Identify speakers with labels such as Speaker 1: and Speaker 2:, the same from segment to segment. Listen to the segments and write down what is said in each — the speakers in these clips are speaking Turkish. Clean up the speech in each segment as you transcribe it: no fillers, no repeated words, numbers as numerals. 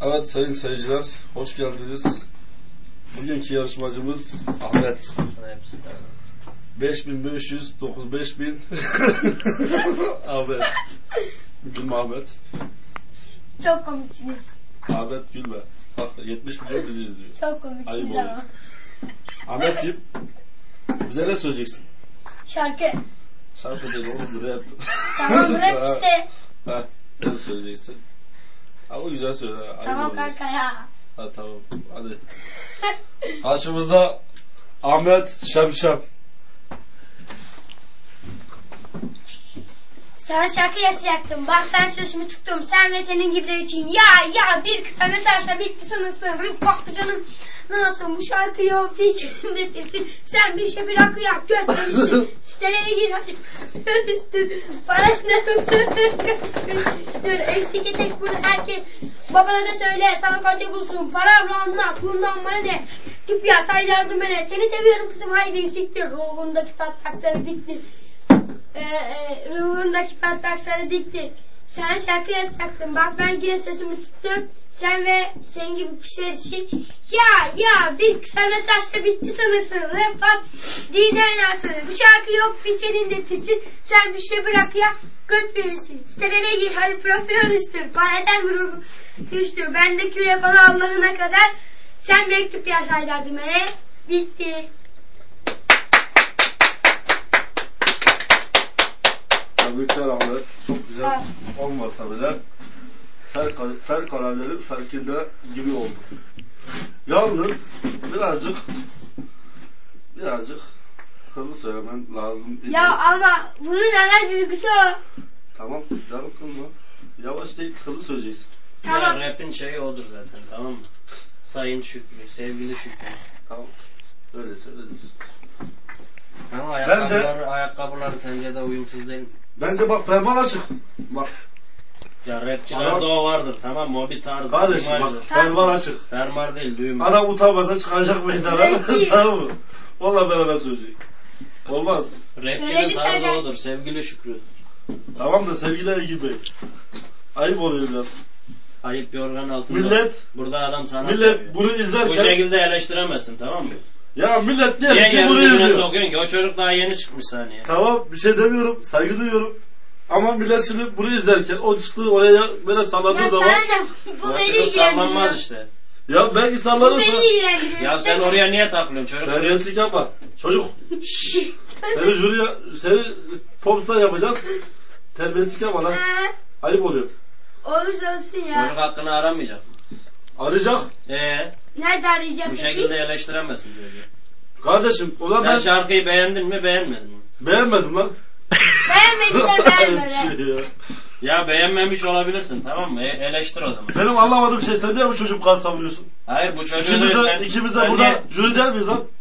Speaker 1: Evet sayın seyirciler, hoş geldiniz. Bugünkü yarışmacımız Ahmet. 5500, 9000 Ahmet. Gülme Ahmet.
Speaker 2: Çok komiksiniz.
Speaker 1: Ahmet gülme. Bak 70 milyon bizi izliyor.
Speaker 2: Çok komiksiniz ama.
Speaker 1: Ahmetciğim, bize ne söyleyeceksin?
Speaker 2: Şarkı.
Speaker 1: Şarkı değil oğlum, rap.
Speaker 2: Tamam rap işte.
Speaker 1: Ha, ne söyleyeceksin? Ama güzel söyle.
Speaker 2: Tamam kanka ya.
Speaker 1: Ha tamam, hadi. Karşımızda Ahmet Şemşem.
Speaker 2: Sana şarkı yazacaktım. Bak ben sözümü tuttum. Sen ve senin gibiler için. Ya bir kısa mesajla bitti sanırsın. Baktı canım. Nasıl bu şarkıyı o içinde desin. Sen bir şey bırak ya. Götürmüşsün. Sitelere gir hadi. Üstün. Para dur. Eksik etek bunu herkes. Babana da söyle. Sana konti bulsun. Paramla anlat. Bundan bana ne? Tip ya say yardım bana. Seni seviyorum kızım. Haydi siktir. Ruhundaki patlakları diktir. Ruhundaki patlakları dikti. Sen şarkı yazacaktın. Bak ben yine sözümü tuttum. Sen ve senin gibi kişiler için ya bir kısa mesajla bitti sanırsın. Rap var. Dinlersin. Bu şarkı yok bir senin de tüsün. Sen bir şey bırak ya. Göt büyüsün. Sitelere gir. Hadi profil oluştur. Para eder mi ruhu? Düştür. Bendeki refahı Allah'ına kadar. Sen mektup yazaydın bana. Bitti.
Speaker 1: Tebrikler Ahmet. Çok güzel olmasa bile fevkaladenin farkında gibi oldu. Yalnız birazcık hızlı söylemen lazım.
Speaker 2: Ya ama bunun ana duygusu o.
Speaker 1: Tamam canım kızma. Yavaş değil hızlı söyleyeceksin.
Speaker 2: Tamam.
Speaker 3: Ya rapin şeyi odur zaten, tamam mı? Sayın Şükrü, sevgili Şükrü.
Speaker 1: Tamam. Öyle söyleriz.
Speaker 3: Ama ayakkabıları sence de uyumsuz değil mi?
Speaker 1: Bence bak ferman açık. Bak.
Speaker 3: Ya rapçilerde o vardır, tamam mı? O bir tarz.
Speaker 1: Kardeşim bak ferman açık.
Speaker 3: Fermar değil, düğüm.
Speaker 1: Adam utanmadan çıkacak meydana. Tamam mı? Vallahi beraber söyleyecek. Olmaz.
Speaker 3: Rapçinin tarzı odur, sevgili Şükrü.
Speaker 1: Tamam da sevgili gibi. Ayıp oluyor biraz.
Speaker 3: Ayıp yorgan altında.
Speaker 1: Millet.
Speaker 3: Burada adam sana
Speaker 1: Millet bunu izlerken.
Speaker 3: bu şekilde eleştiremezsin, tamam mı?
Speaker 1: Ya millet
Speaker 3: Niye
Speaker 1: ki bunu
Speaker 3: kendine
Speaker 1: izliyor.
Speaker 3: sokuyorsun ki? O çocuk daha yeni çıkmış saniye.
Speaker 1: Tamam bir şey demiyorum. Saygı duyuyorum. Ama millet şimdi bunu izlerken o çıktığı oraya böyle salladığı
Speaker 2: Ya
Speaker 1: zaman.
Speaker 2: sana bu beni ilgilendiriyor.
Speaker 3: Sallanmaz işte.
Speaker 1: Ya belki
Speaker 2: Bu
Speaker 1: sallanırsa.
Speaker 2: beni ilgilendiriyor.
Speaker 3: Ya sen oraya niye takılıyorsun çocuk?
Speaker 1: Terbiyesizlik yapma. Çocuk. Seni jüriye, seni popstar yapacağız. Terbiyesizlik yapma lan. Ayıp oluyor.
Speaker 2: Olursa olsun ya.
Speaker 3: Çocuk hakkını aramayacak mı?
Speaker 1: Arayacak.
Speaker 2: Nerede arayacağım
Speaker 3: Bu
Speaker 2: peki?
Speaker 3: şekilde eleştiremezsin çocuğu.
Speaker 1: Kardeşim o zaman
Speaker 3: Sen
Speaker 1: ben
Speaker 3: şarkıyı beğendin mi beğenmedin mi?
Speaker 1: beğenmedim lan.
Speaker 2: Beğenmedin de beğenme
Speaker 1: Şey ya.
Speaker 3: Ya beğenmemiş olabilirsin, tamam mı? Eleştir o zaman.
Speaker 1: Benim anlamadığım şey sen niye bu çocuğu bu kadar savunuyorsun?
Speaker 3: Hayır bu çocuğu
Speaker 1: İkimiz de burada jüri der miyiz lan?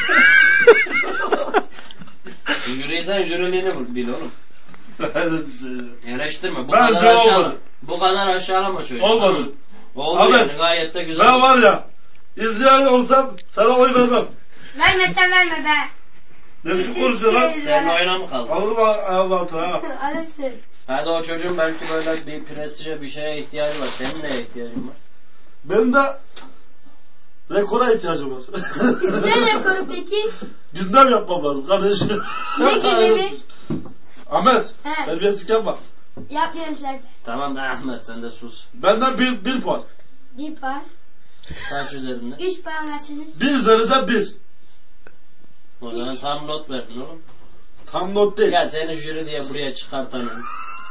Speaker 3: Jüriysen jüriliğini bil oğlum. Eleştirme.
Speaker 1: Ben şey olmadı.
Speaker 3: Bu kadar aşağılama çocuğu.
Speaker 1: Olmadı.
Speaker 3: Oldu
Speaker 1: Abi,
Speaker 3: yani gayet de güzel.
Speaker 1: Ben var ya izleyen olsam sana oy vermem.
Speaker 2: Vermesen verme be.
Speaker 1: Ne biçim konuşuyor lan?
Speaker 3: Senin oyuna mı kaldı?
Speaker 1: Alırım ayağımın altına ha.
Speaker 2: Alırsın.
Speaker 3: Hadi o çocuğun belki böyle bir prestije bir şeye ihtiyacı var. Senin neye ihtiyacın var?
Speaker 1: Benim de rekora ihtiyacım var.
Speaker 2: Ne rekoru peki?
Speaker 1: Gündem yapmam lazım kardeşim.
Speaker 2: Ne gündemi?
Speaker 1: Ahmet,
Speaker 2: He.
Speaker 1: terbiyesizlik yapma.
Speaker 2: Yapmıyorum zaten.
Speaker 3: Tamam da Ahmet sen de sus.
Speaker 1: Benden bir puan.
Speaker 2: 1 puan.
Speaker 3: Kaç üzerinde?
Speaker 2: 3 puan verseniz.
Speaker 1: 1 üzerinden 1.
Speaker 3: O zaman tam not verdin oğlum.
Speaker 1: Tam not değil.
Speaker 3: Gel seni jüri diye buraya çıkartanım.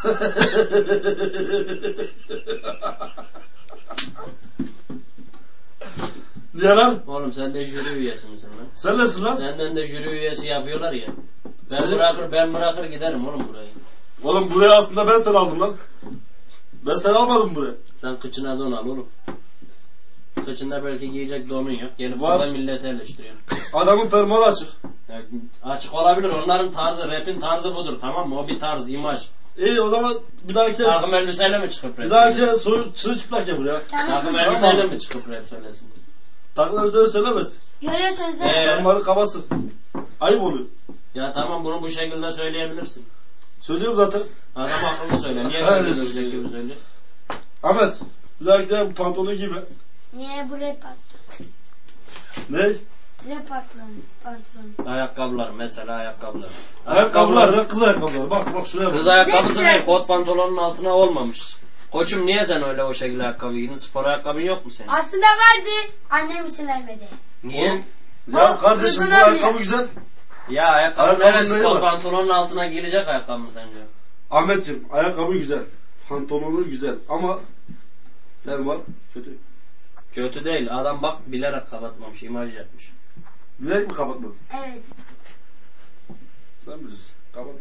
Speaker 1: Niye lan?
Speaker 3: Oğlum sen de jüri üyesi misin lan?
Speaker 1: Sen nesin lan?
Speaker 3: Senden de jüri üyesi yapıyorlar ya.
Speaker 1: Sizin-
Speaker 3: Ben bırakır giderim oğlum burayı.
Speaker 1: Oğlum buraya aslında ben seni aldım lan. Ben seni almadım buraya.
Speaker 3: Sen kıçına don al oğlum. Kıçında belki giyecek donun yok. Gelip
Speaker 1: Var.
Speaker 3: burada milleti eleştiriyorsun.
Speaker 1: Adamın fermuarı açık.
Speaker 3: Yani açık olabilir. Onların tarzı, rapin tarzı budur. Tamam mı? O bir tarz, imaj.
Speaker 1: İyi o zaman bir dahaki
Speaker 3: Takım elbiseyle mi çıkıp rap?
Speaker 1: bir dahaki soyun çırılçıplak ya buraya.
Speaker 3: Takım elbiseyle mi çıkıp rap söylesin?
Speaker 1: Takım elbiseleri söylemez.
Speaker 2: Görüyorsunuz değil mi?
Speaker 1: Fermuarı kabasın. Ayıp oluyor.
Speaker 3: Ya tamam bunu bu şekilde söyleyebilirsin.
Speaker 1: Söylüyorum zaten.
Speaker 3: Adam akıllı söyle. Niye
Speaker 1: Öyle
Speaker 3: söylüyorsun gibi söylüyor?
Speaker 1: Ahmet Bir dahaki pantolonu gibi.
Speaker 2: Niye bu rap
Speaker 1: Ne?
Speaker 2: Rap pantolonu.
Speaker 3: Ayakkabılar mesela ayakkabılar.
Speaker 1: Ayakkabılar ve kız ayakkabıları. Bak şuraya bak.
Speaker 3: Kız ayakkabısı
Speaker 2: Ne
Speaker 3: değil,
Speaker 2: güzel.
Speaker 3: kot pantolonun altına olmamış. Koçum niye sen öyle o şekilde ayakkabı giydin? Spor ayakkabın yok mu senin?
Speaker 2: Aslında vardı. Annem izin vermedi.
Speaker 3: Niye?
Speaker 1: Oğlum, ya kardeşim bu ayakkabı güzel.
Speaker 3: Ya ayakkabı
Speaker 1: Ayakkabının
Speaker 3: neresi
Speaker 1: neyi
Speaker 3: kot
Speaker 1: var?
Speaker 3: pantolonun altına giyilecek ayakkabı mı sence?
Speaker 1: Ahmetciğim ayakkabı güzel. Pantolonu güzel ama ne var? Kötü.
Speaker 3: Kötü değil. Adam bak bilerek kapatmamış, imaj yapmış.
Speaker 1: Bilerek mi kapatmadın?
Speaker 2: Evet.
Speaker 1: Sen bilirsin. Kapatma.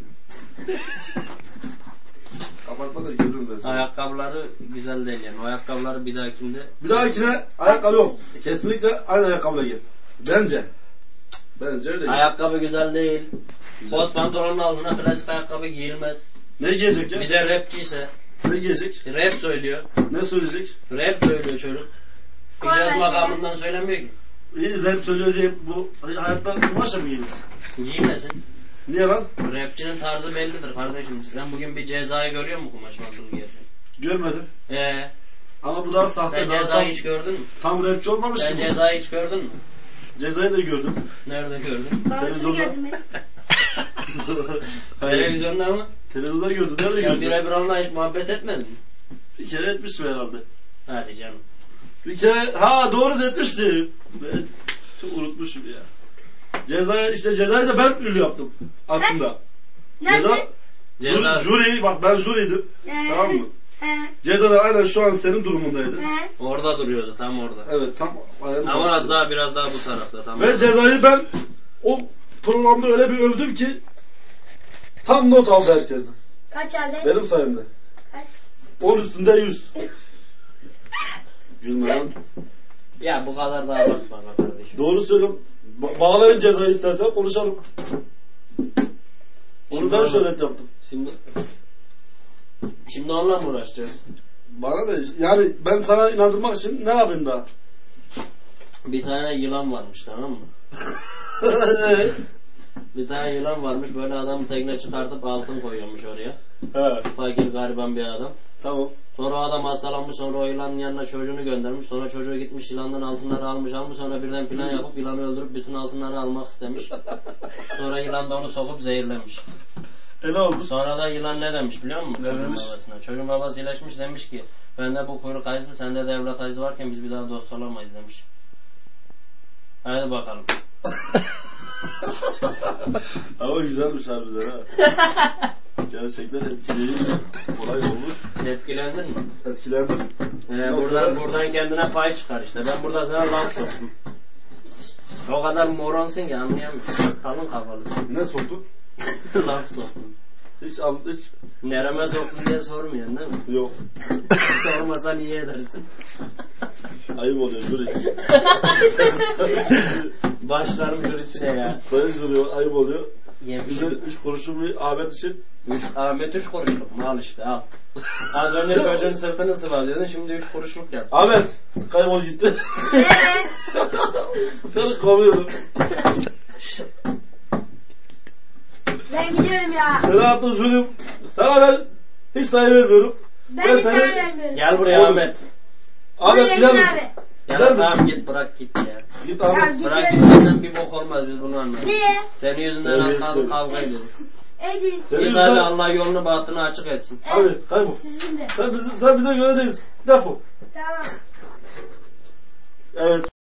Speaker 1: Kapatma da görürüm ben seni.
Speaker 3: Ayakkabıları güzel değil yani. O ayakkabıları bir dahakinde...
Speaker 1: Bir dahakine ayakkabı yok. Kesinlikle aynı ayakkabıyla gel. Bence. Bence öyle.
Speaker 3: Ayakkabı güzel değil. Kot pantolonun altına klasik ayakkabı giyilmez.
Speaker 1: Ne giyecek ya?
Speaker 3: Bir de rapçiyse.
Speaker 1: Ne giyecek?
Speaker 3: Rap söylüyor.
Speaker 1: Ne söyleyecek?
Speaker 3: Rap söylüyor çocuk. İcaz makamından söylemiyor ki.
Speaker 1: İyi rap söylüyor diye bu hayatta kumaşla mı giyiniyor?
Speaker 3: Giymesin.
Speaker 1: Niye lan?
Speaker 3: Rapçinin tarzı bellidir kardeşim. Sen bugün bir Cezayı görüyor musun kumaş mantıl giyerken?
Speaker 1: Görmedim.
Speaker 3: Ee,
Speaker 1: Ama bu daha sahte.
Speaker 3: sen
Speaker 1: Daha
Speaker 3: Cezayı hiç gördün mü?
Speaker 1: tam rapçi olmamış
Speaker 3: Sen
Speaker 1: ki bu.
Speaker 3: Cezayı hiç gördün mü?
Speaker 1: Cezayı da gördüm.
Speaker 3: Nerede gördün?
Speaker 2: Babasını
Speaker 1: Televizyonda.
Speaker 2: gördüm ben.
Speaker 3: Televizyonda mı?
Speaker 1: Televizyonda gördüm. Nerede
Speaker 3: Sen
Speaker 1: gördün?
Speaker 3: birebir onunla hiç muhabbet etmedin mi?
Speaker 1: Bir kere etmiştim herhalde.
Speaker 3: Hadi canım.
Speaker 1: Bir kere doğru da etmiştim. Ben çok unutmuşum ya. Cezayı da ben ünlü yaptım aslında.
Speaker 2: Nerede?
Speaker 3: Ceza...
Speaker 1: Jüri, bak ben jüriydim. Tamam mı?
Speaker 2: He.
Speaker 1: Ceza da aynen şu an senin durumundaydı.
Speaker 2: He.
Speaker 3: Orada duruyordu tam orada.
Speaker 1: Evet tam aynen.
Speaker 3: Ama biraz daha bu tarafta tamam.
Speaker 1: Ve Cezayı ben o programda öyle bir övdüm ki tam not aldı herkesten.
Speaker 2: Kaç aldın?
Speaker 1: Benim sayemde.
Speaker 2: Kaç?
Speaker 1: 10 üstünde 100. Gülme lan.
Speaker 3: Ya bu kadar da abartma be kardeşim.
Speaker 1: Doğru söylüyorum. Bağlayın Cezayı istersen konuşalım. Onu ben şöhret yaptım.
Speaker 3: Şimdi onunla mı uğraşacağız?
Speaker 1: Bana da yani ben sana inandırmak için ne yapayım daha?
Speaker 3: Bir tane yılan varmış tamam mı? Bir tane yılan varmış böyle adam tekne çıkartıp altın koyuyormuş oraya.
Speaker 1: He,
Speaker 3: Fakir gariban bir adam.
Speaker 1: tamam.
Speaker 3: Sonra o adam hastalanmış sonra o yılanın yanına çocuğunu göndermiş. Sonra çocuğu gitmiş yılandan altınları almış sonra birden plan yapıp yılanı öldürüp bütün altınları almak istemiş. Sonra yılan da onu sokup zehirlemiş.
Speaker 1: Ne oldu?
Speaker 3: Sonra da yılan ne demiş biliyor musun?
Speaker 1: Ne
Speaker 3: Çocuğun
Speaker 1: demiş?
Speaker 3: babasına. Çocuğun babası iyileşmiş demiş ki bende bu kuyruk acısı sende de evlat acısı varken biz bir daha dost olamayız demiş. Hadi bakalım.
Speaker 1: Ama güzelmiş harbiden ha. Gerçekten etkileyici. Olay olmuş.
Speaker 3: Etkilendin mi?
Speaker 1: Etkilendim.
Speaker 3: Buradan kendine pay çıkar işte. Ben burada sana laf soktum. O kadar moronsun ki anlayamıyorsun. Kalın kafalısın.
Speaker 1: Ne soktu?
Speaker 3: Laf soktum.
Speaker 1: Hiç
Speaker 3: Nereme soktun diye sormuyorsun değil mi?
Speaker 1: yok.
Speaker 3: Sormasan iyi edersin.
Speaker 1: Ayıp oluyor jüri.
Speaker 3: Başlarım jürisine ya.
Speaker 1: Sayın jüri ayıp oluyor.
Speaker 3: Yemiş.
Speaker 1: Bize 3 kuruşun bir Ahmet için.
Speaker 3: Ahmet 3 kuruşluk mu? Al işte al. Az önce çocuğun sırtını sıvazıyordun şimdi 3 kuruşluk yap.
Speaker 1: Ahmet kaybol gitti. Seni kovuyorum.
Speaker 2: Ben gidiyorum ya.
Speaker 1: Seni attım jürim. Sana ben hiç sayı vermiyorum.
Speaker 2: Ben de sana
Speaker 1: seni-
Speaker 2: vermiyorum.
Speaker 3: Gel buraya
Speaker 1: Oğlum.
Speaker 3: Ahmet.
Speaker 1: Ahmet
Speaker 2: Buraya
Speaker 1: gider
Speaker 2: gel
Speaker 1: misin?
Speaker 2: abi.
Speaker 3: Ya
Speaker 1: Gider misin?
Speaker 3: tamam git bırak git ya.
Speaker 1: Git
Speaker 2: Ya
Speaker 1: Ahmet.
Speaker 2: git.
Speaker 3: Bırak gitmesen bir bok olmaz biz bunu anlarız.
Speaker 2: Niye?
Speaker 3: Senin yüzünden az kaldı
Speaker 1: Öyle
Speaker 3: kavga ediyoruz.
Speaker 2: Edin.
Speaker 1: Senin
Speaker 3: Git hadi
Speaker 1: yüzünden-
Speaker 3: Allah yolunu bahtını açık etsin.
Speaker 1: Hadi kaybol.
Speaker 2: Sizin de.
Speaker 1: Sen bize göre değilsin. Defol.
Speaker 2: Tamam.
Speaker 1: Evet.